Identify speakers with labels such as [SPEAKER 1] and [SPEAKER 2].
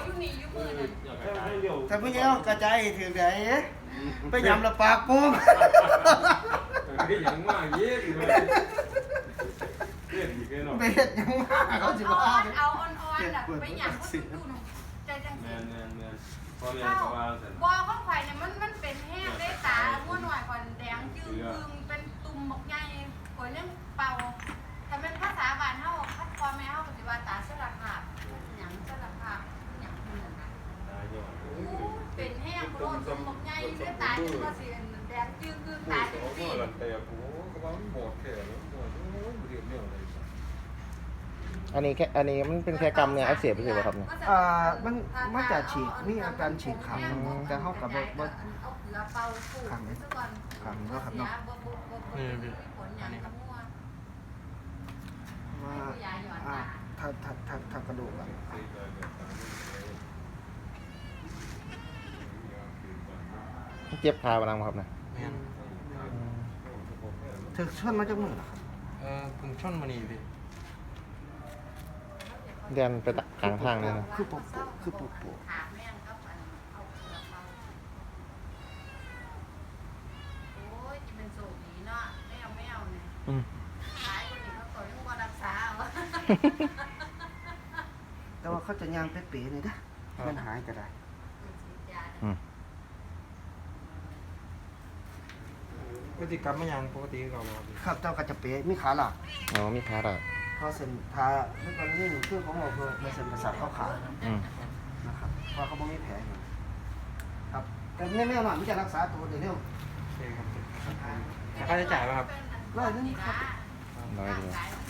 [SPEAKER 1] อยู่นี่อยู่มือนั่น
[SPEAKER 2] ถ้าพี่เอากระจายถึงไหนไปยำละปากโป้ง
[SPEAKER 3] cái dạng mà dễ thì mà cái gì cái nào
[SPEAKER 2] ไปเห็ดยังมาเขาสิว่า
[SPEAKER 1] เอาอ่อนๆแบบไปหยั่งก็ดูใจจังสิ
[SPEAKER 3] nè con này có bao giờ
[SPEAKER 1] บอข้องไข่เนี่ยมันเป็นแห้งได้ตาม้วนหน่อยก่อนแดงจืดเป็นตุ่มหมกใหญ่ก่อนเนี่ยเป่าถ้าเป็นภาษาบ้านเฮาคัดความแม่เฮาปฏิบัติตาสลักหักหยังสลักหักหยังเหมือนกันเป็นแห้งโรคตุ่มหมกใหญ่ได้ตาจนว่าสิแดงจืดคือตาจังสิ
[SPEAKER 3] lần tè của có bám bột kẻ nó một điểm nhiều này
[SPEAKER 4] อันนี้มันเป็นแค่กำเนี่ยอักเสบไปเลยครับเนี่ย
[SPEAKER 2] มันจะฉีกมีอาการฉีกขังแต่เขากับว่าขังเนี่ยขังก็ขังเนาะว่าถ้ากระดูกอะ
[SPEAKER 4] เจ็บขาบางครับนะ
[SPEAKER 2] ถึงช่วงมาจากมือเหรอครับ
[SPEAKER 5] ผมช่อนมานี่พี่
[SPEAKER 4] เดินไปกลางทางเลยนะ
[SPEAKER 2] คือปุ๊บ
[SPEAKER 1] ขาแม่งก็อันเอาเกลือเป่าโอ้ยจะเป็นโศกดีเนาะแมวเนี่ย
[SPEAKER 4] อืม
[SPEAKER 1] หายคนนี้เขาต่อยยังบ่รักษาเอา
[SPEAKER 2] แต่ว่าเขาจะย่างเป๊ะๆเลยนะมันหายก็ได้
[SPEAKER 4] อืม
[SPEAKER 5] ปกติกลับมายังปกติเราพี่
[SPEAKER 2] ครับเจ้าก็จะเป๊ะมีขาหลัก
[SPEAKER 4] อ๋อมีขาหรอ
[SPEAKER 2] เพราะเส้นทาเมื่อก่อนนี่คือของเราคือเส้นประสาทเข้าขา
[SPEAKER 4] อืม
[SPEAKER 2] นะครับเพราะเขาไม่มีแผลอยู่ครับแต่แม่หน่อยมันจะรักษาตัวเดี๋ยวเร็ว
[SPEAKER 5] โอเคครับค่าใช้จ่ายป่ะครับ
[SPEAKER 2] ร้อยนึงครับ
[SPEAKER 4] น้อยเลย
[SPEAKER 1] ร่างกายมัน